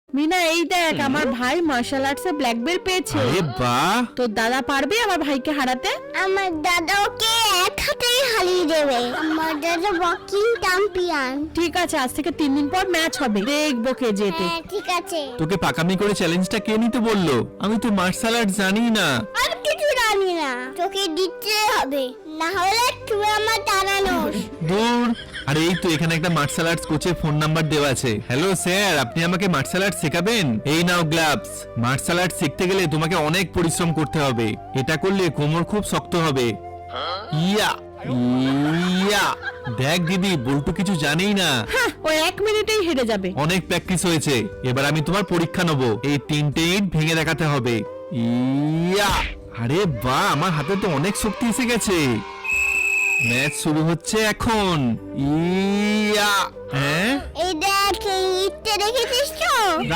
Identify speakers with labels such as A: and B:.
A: মিনা এই দেখ আমার ভাই মার্শাল আর্টসে ব্ল্যাক বেল্ট পেয়েছে।
B: আরে বাহ,
A: তোর দাদা পারবে আমার ভাইকে হারাতে?
C: আমার দাদা ওকে এক হাতেই হারিয়ে দেবে। আমার দাদা বক্সিং চ্যাম্পিয়ন।
A: ঠিক আছে, আজ থেকে 3 দিন পর ম্যাচ হবে, দেখবো কে জেতে।
C: হ্যাঁ ঠিক আছে।
B: তোকে পাকামি করে চ্যালেঞ্জটা কে নিতে বললো? আমি তো মার্শাল আর্ট জানি না।
C: আর কিছু জানি না, তোকে দিতে হবে, না হলে তুই আমার দাঁড়ানোস।
B: দূর। আরে এই তো এখানে একটা মার্শাল আর্টস কোচের ফোন নাম্বার দেওয়া আছে। হ্যালো স্যার, আপনি আমাকে মার্শাল আর্ট শেখাবেন? এই নাও গ্লাভস। মার্শাল আর্ট শিখতে গেলে তোমাকে অনেক পরিশ্রম করতে হবে। এটা করলে কোমর খুব শক্ত হবে। ইয়া ইয়া। দেখ দিদি, বল্টু কিছু জানেই না।
A: হ্যাঁ, ও 1 মিনিটেই হেরে যাবে।
B: অনেক প্র্যাকটিস হয়েছে, এবার আমি তোমার পরীক্ষা নেব। এই 3টে ইট ভেঙে দেখাতে হবে। ইয়া। আরে বাহ, আমার হাতে তো অনেক শক্তি এসে গেছে। ম্যাচ শুরু হচ্ছে এখন। ইয়া। হ্যাঁ,
C: এই দেখ, এই ইটটা দেখেছিস তো?